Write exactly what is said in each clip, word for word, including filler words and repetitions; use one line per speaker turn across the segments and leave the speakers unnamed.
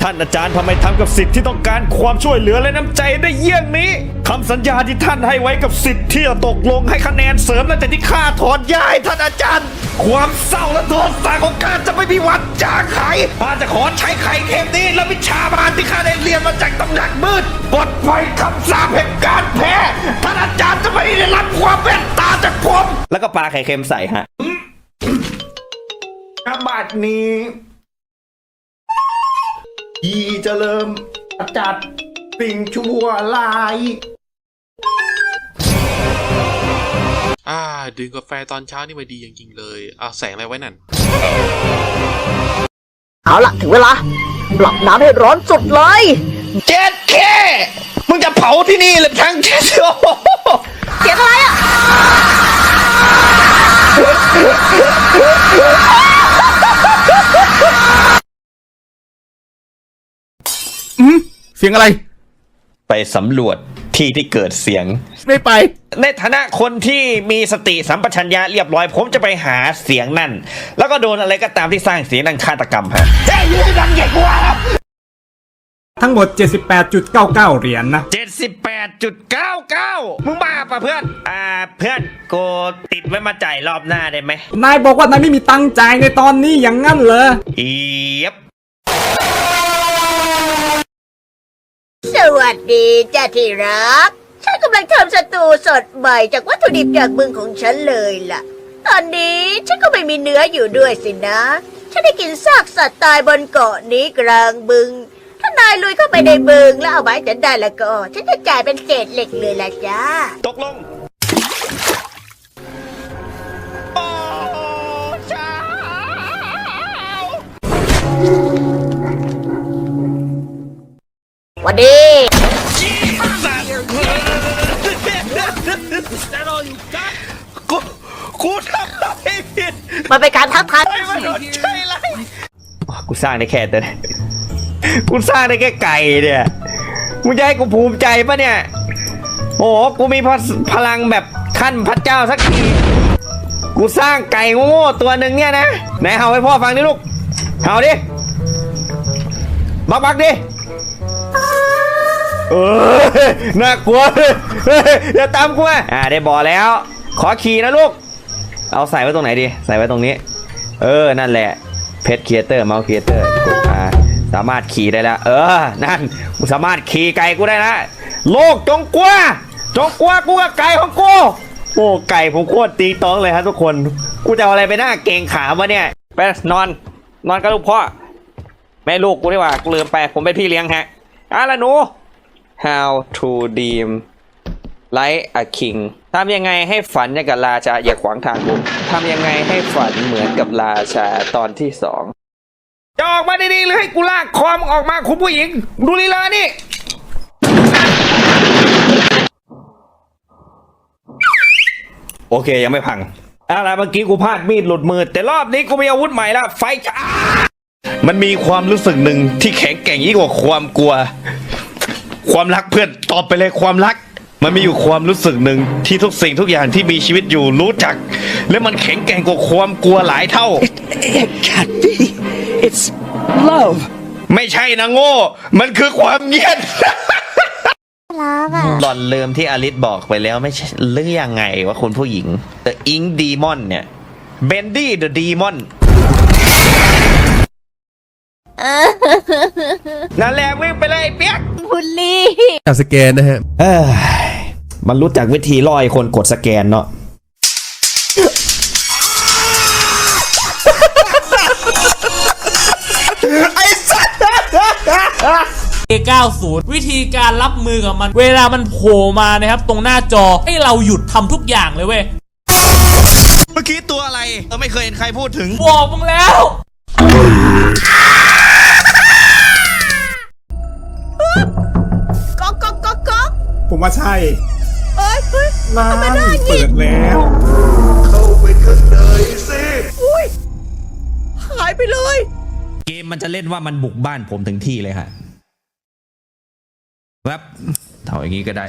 านอาจารย์ทำไมทำกับศิษย์ที่ต้องการความช่วยเหลือและน้ำใจได้เยี่ยงนี้คำสัญญาที่ท่านให้ไว้กับศิษย์ที่จะตกลงให้คะแนนเสริมหลังจากที่ข้าถอนย้ายท่านอาจารย์ความเศร้าและโทษสาของข้าจะไม่มีวันจางหายข้าจะขอใช้ไข่เค็มนี้และวิชาบาลที่ข้าได้เรียนมาจากตำหนักมืดปลดปล่อยคำสาปแห่งการแพ้ท่านอาจารย์จะไม่ได้รับความเมตตาจากผมแล้วก็ปาไข่เค็มใส่ฮะอาบัตินี้ยีจะเริ่มจัดสิ่งชั่วร้าย
อ่าดื่มกาแฟตอนเช้านี่มาดีจริงๆเลยอ่าแสงอะไรไว้นั่น
เอาล่ะถึงเวลาปรับน้ำให้ร้อนสุดเลย
เจ็ดแค่มึงจะเผาที่นี่หรือทั้งเจ็ดโอ้
เสียงอะไรอ่ะ
อืมเสียงอะไร
ไปสำรวจที่ที่เกิดเสียง
ไม่ไป
ในฐานะคนที่มีสติสัมปชัญญะเรียบร้อยผมจะไปหาเสียงนั่นแล้วก็โดนอะไรก็ตามที่สร้างเสียงดังฆาตกรรมฮะเฮ้ยยืนดังใหญ่กว่า
ทั้งหมด เจ็ดสิบแปดจุดเก้าเก้า เหรียญ นะ
เจ็ดสิบแปดจุดเก้าเก้า มึงบ้าป่ะเพื่อนอ่าเพื่อนกูติดไว้มาจ่ายรอบหน้าได้ไหม
นายบอกว่านายไม่มีตังค์จ่ายในตอนนี้อย่างงั้นเหรอ
อีบ
สวัสดีจ้าที่รักฉันกำลังทำสตูสดใหม่จากวัตถุดิบจากบึงของฉันเลยล่ะตอนนี้ฉันก็ไม่มีเนื้ออยู่ด้วยสินะฉันได้กินซากสัตว์ตายบนเกาะนี้กลางบึงถ้านายลุยเข้าไปในบึงแล้วเอาไม้ฉันได้แล้วก็ฉันจะจ่ายเป็นเศษเหล็กเลยล่ะจ้า
ตกลงโอ้เช้า
วันนี้
กูกูทำอะไรผิด
มันเป็นการทักทาย
ไม่โดนใช่ไรกูสร้างได้แค่แต่กูสร้างได้แค่ไก่เนี่ยมึงจะให้กูภูมิใจปะเนี่ยโอ้กูมีพลังแบบขั้นพระเจ้าสักทีกูสร้างไก่โง่ตัวหนึ่งเนี่ยนะไหนเห่าให้พ่อฟังดิลูกเห่าดิบักบักดิเออน่ากลัวอย่าตามกูอ่ะอ่าได้บอกแล้วขอขี่นะลูกเอาใส่ไว้ตรงไหนดีใส่ไว้ตรงนี้เออนั่นแหละเพชรครีเอเตอร์เมาส์ครีเอเตอร์กดมาสามารถขี่ได้แล้วเออนั่นกูสามารถขี่ไก่กูได้นะโลกจงกลัวจงกลัวกูกับไก่ของกูโอ้ไก่ผมโคตรตีต้องเลยฮะทุกคนกูจะเอาอะไรไปหน้าเก่งขาวะเนี่ยไปนอนนอนกับลูกพ่อแม่ลูกกูดีกว่ากูลืมไปผมเป็นพี่เลี้ยงฮะอ่ะละหนู How to dream like a king ทำยังไงให้ฝันอย่างกับราชาอย่าขวางทางกูทำยังไงให้ฝันเหมือนกับราชาตอนที่สองจะออกมาดีๆหรือให้กูลากคอมออกมาคุณผู้หญิงดูลีลานี่โอเคยังไม่พังอะไรเมื่อกี้กูพลาดมีดหลุดมือแต่รอบนี้กูมีอาวุธใหม่แล้วไฟจ้ามันมีความรู้สึกหนึ่งที่แข็งแกร่งยิ่งกว่าความกลัวความรักเพื่อนตอบไปเลยความรักมันมีอยู่ความรู้สึกหนึ่งที่ทุกสิ่งทุกอย่างที่มีชีวิตอยู่รู้จักและมันแข็งแกร่งกว่าความกลัวหลายเท่า
It, it can't be It's love
ไม่ใช่นะโง่มันคือความเงียบหล่อนลืมที่อลิสบอกไปแล้วไม่ใช่เรื่องยังไงว่าคุณผู้หญิง The Ink Demon เนี่ย Bendy the Demon นั่นแหละวิ่งไปเลยเปียก
บุลลี่
การสแกนนะฮะ
เออมันรู้จักวิธีล่อไอ้คนกดสแกนเนาะไอ้สัส
เอ เก้าสิบ วิธีการรับมือกับมันเวลามันโผล่มานะครับตรงหน้าจอให้เราหยุดทำทุกอย่างเลยเว้ย
เมื่อกี้ตัวอะไรเราไม่เคยเห็นใครพูดถึง
บอกมึงแล้ว
ก๊อกก๊อกก๊อกก๊อก
ผมว่าใช่
เอ้ยเฮ้ย
ร้านเปิดแล้ว
เข้าไปข้างในสิ
อุ้ยหายไปเลย
เกมมันจะเล่นว่ามันบุกบ้านผมถึงที่เลยฮะแวบเท่าอย่างนี้ก็ได้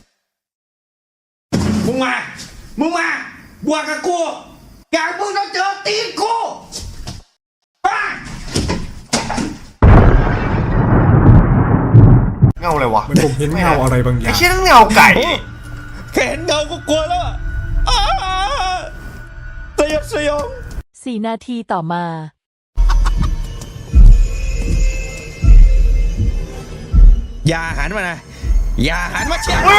มึงมามึงมาบวกกับกูอยากมึงต้องเจอตีนกู
อะไรวะ
มันผมเห็นเงาอะไรบางอย่า
ไอ้
ง
เชี่ยนั่นเงาไก่
แค่เห็นเงาก็กลัวแล้วอ่ะอ้าสยดสยอง
สี่นาทีต่อมา
อย่าหันมานะอย่าหันมาเชียร์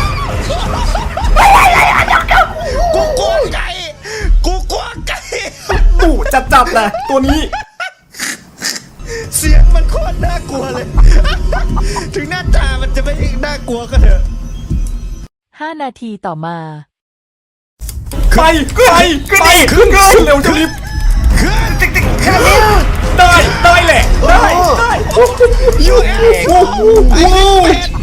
กูกลัวไก่กูกลัวไก่
ตู่จัดจับเลยตัวนี้
เสียงมันโคตรน่ากลัวเลย ถึงหน้าตามันจะไม่น่ากลัวก็เถอะ
ห้านาทีต่อมา
ไปไปไปขึ้นเร็วจะรีบ
ขึ้นติ๊กติ๊กขึ้น
ได้ได้แหละได้ได้
ยูเอฟ
โอ้โห